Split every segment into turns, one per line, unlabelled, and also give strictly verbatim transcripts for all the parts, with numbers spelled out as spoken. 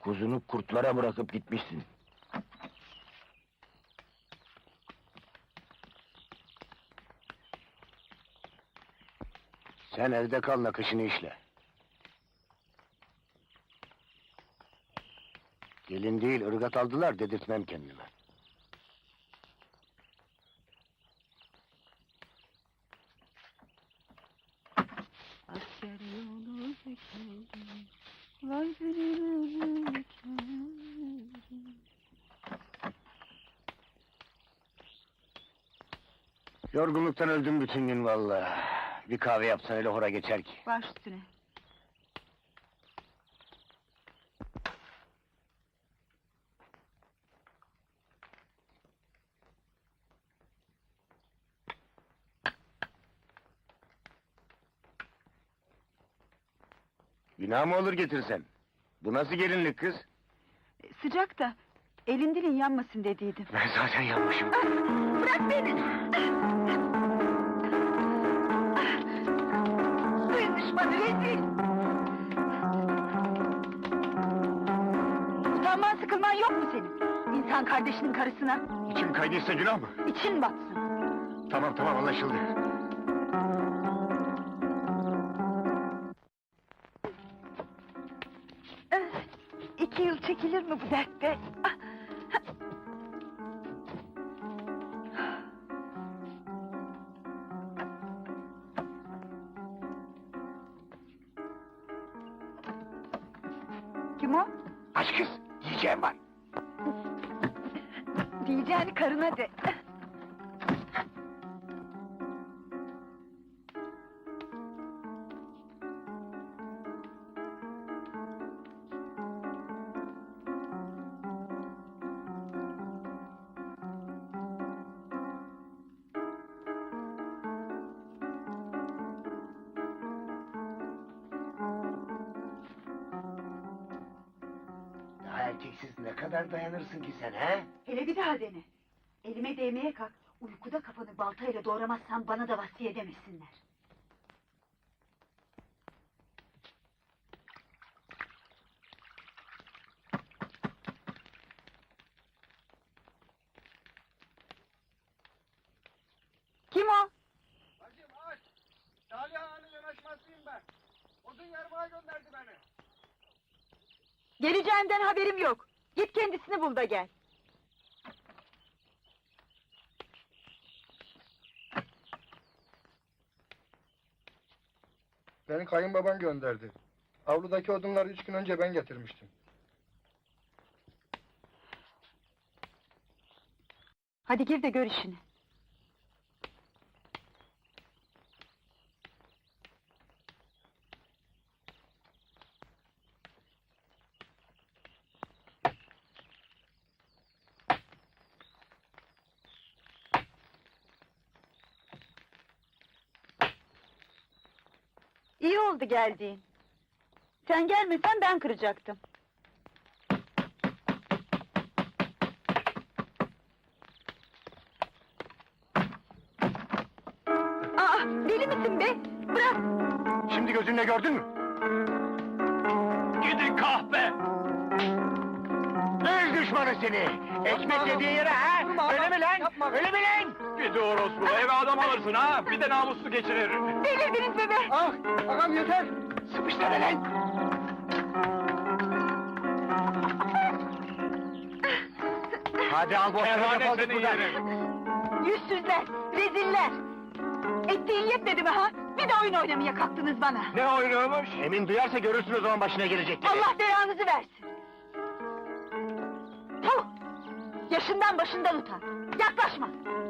Kuzunu kurtlara bırakıp gitmişsin. Sen evde kal, nakışını işle. Gelin değil, ırgat aldılar, dedirtmem kendime.
Asker yolu bekledim, vay benim ölürüm.
Yorgunluktan öldüm bütün gün vallahi. Bir kahve yapsan öyle hora geçer ki.
Baş üstüne.
Günah mı olur getirsen? Bu nasıl gelinlik kız?
Sıcak da, elin dilin yanmasın dediydim.
Ben zaten yanmışım.
Bırak beni! Duyun düşmanı, rezil! Utanman sıkılman yok mu senin? İnsan kardeşinin karısına,
İçim kaydıysa günah mı?
için batsın!
Tamam tamam, anlaşıldı.
Öf! İki yıl çekilir mi bu dertte? Ah! Kim o?
Aç kız, yiyeceğim var.
Diyeceğini karına de.
Daha erkeksiz ne kadar dayanırsın ki sen, he?
Hele bir daha dene. Elime değmeye kalk. Uykuda kafanı baltayla doğramazsan bana da vasfiye demesinler. Kim o?
Bacım aç! Salih Ağa'nın yanaşmasıyım ben. Odun yarmağa gönderdi beni.
Geleceğinden haberim yok. Git kendisini bul da gel.
Beni kayınbaban gönderdi. Avludaki odunları üç gün önce ben getirmiştim.
Hadi gir de gör işini. İyi oldu geldiğin. Sen gelmesen ben kıracaktım. Aa, deli misin be? Bırak!
Şimdi gözünle gördün mü? Gidin kahpe! Öz düşmanı seni! Ekmek yediğin yere ha? Öyle mi lan?
Yapma.
Öyle mi lan?
Bir de orospu, eve adam alırsın ha, bir de namuslu geçirir.
Delirdiniz mi be?
Ah! Ağam yeter!
Sıkıştır lan! Hadi al boşuna,
Kerhane
defol git
seni
buradan.
yerim.
Yüzsüzler, reziller! Ettiğin yetmedi mi ha? Bir de oyun oynamaya kalktınız bana!
Ne oynuyormuş?
Emin duyarsa görürsün o zaman başına gelecekleri.
Allah belanızı versin! Puh! Yaşından başından utan! Yaklaşma!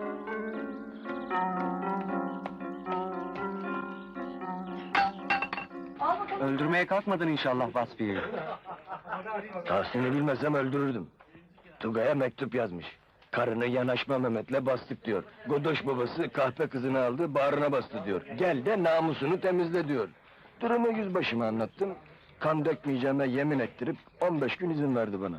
Al bakalım!
Öldürmeye kalkmadın inşallah Vasfi'yi.
Tahsin'i bilmesem öldürürdüm. Tugay'a mektup yazmış. Karını yanaşma Mehmet'le bastık diyor. Godoş babası kahpe kızını aldı, bağrına bastı diyor. Gel de namusunu temizle diyor. Durumu yüzbaşıma anlattım. Kan dökmeyeceğime yemin ettirip on beş gün izin verdi bana.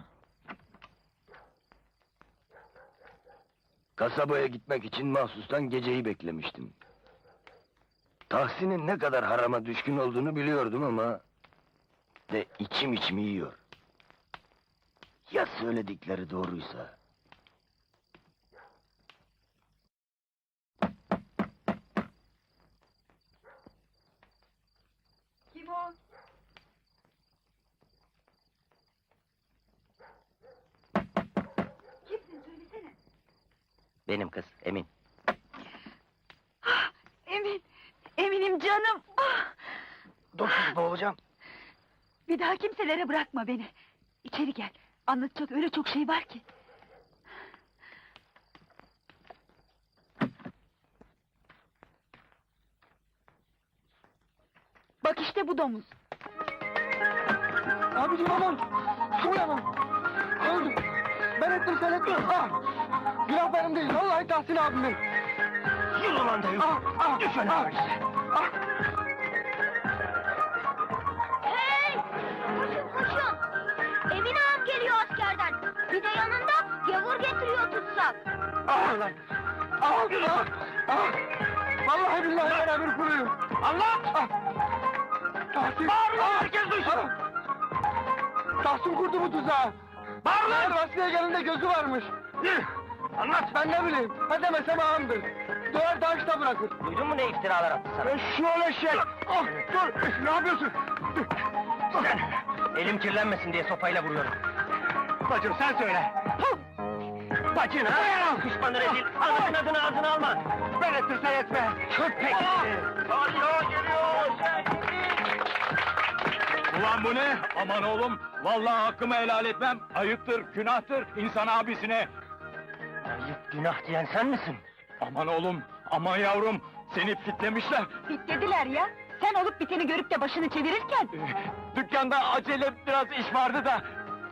Kasabaya gitmek için mahsustan geceyi beklemiştim. Tahsin'in ne kadar harama düşkün olduğunu biliyordum ama... ...de içim içimi yiyor. Ya söyledikleri doğruysa?
Kim o? Kimsin söylesene.
Benim kız, Emin.
Ah, Emin, Eminim canım. Ah,
Dur kız, boğulacağım.
bir daha kimselere bırakma beni. İçeri gel. Anlatacak öyle çok şey var ki. Bak işte bu domuz.
Abicim aman! Su uyanın! Öldüm! Ben ettim sen etme! Ah! Günah benim değil, vallahi Tahsin abimin!
Yürü lan dayı!
Ah! Ah!
Düşün
Ah!
abi.
Ah!
Hey! Koşun koşun! Emin ağam geliyor askerden. Bir de yanında gavur getiriyor tutsak.
Ah lan! Ah! Ah! Ah! Vallahi billahi ben emir kuluyum!
Allah!
Ah! Tahsin!
Bağırın lan,
Ah!
herkes duysun!
Ah! Tahsin kurdu bu tuzağı!
Bağır lan!
Eğer Vasfiye gelinde gözü varmış!
Anlat!
Ben ne bileyim, ha demesem ağamdır! Döver taşta bırakır!
Duydun mu ne iftiralar attı sana?
Şu öyle şey! Ah! Dur! Ne yapıyorsun?
Sen, elim kirlenmesin diye sopayla vuruyorum.
Bacım sen söyle!
Bacın ha? Düşmanı rezil, anasının adını ağzına alma!
Ben ettirsen etme!
Köpek!
Salih geliyor! Ulan bu ne? Aman oğlum, vallahi hakkımı helal etmem. Ayıptır, günahtır insan abisine.
Ayıp günah diyen sen misin?
Aman oğlum, aman yavrum, seni fitlemişler.
Bitlediler ya. Sen olup biteni görüp de başını çevirirken...
Dükkanda acele biraz iş vardı da.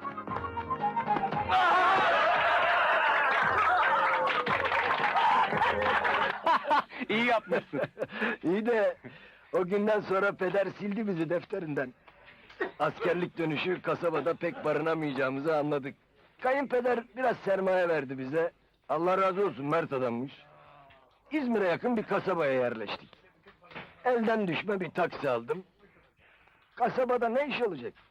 İyi yapmışsın.
İyi de o günden sonra peder sildi bizi defterinden. Askerlik dönüşü kasabada pek barınamayacağımızı anladık. Kayınpeder biraz sermaye verdi bize. Allah razı olsun, mert adammış. İzmir'e yakın bir kasabaya yerleştik. Elden düşme bir taksi aldım. Kasabada ne iş olacak?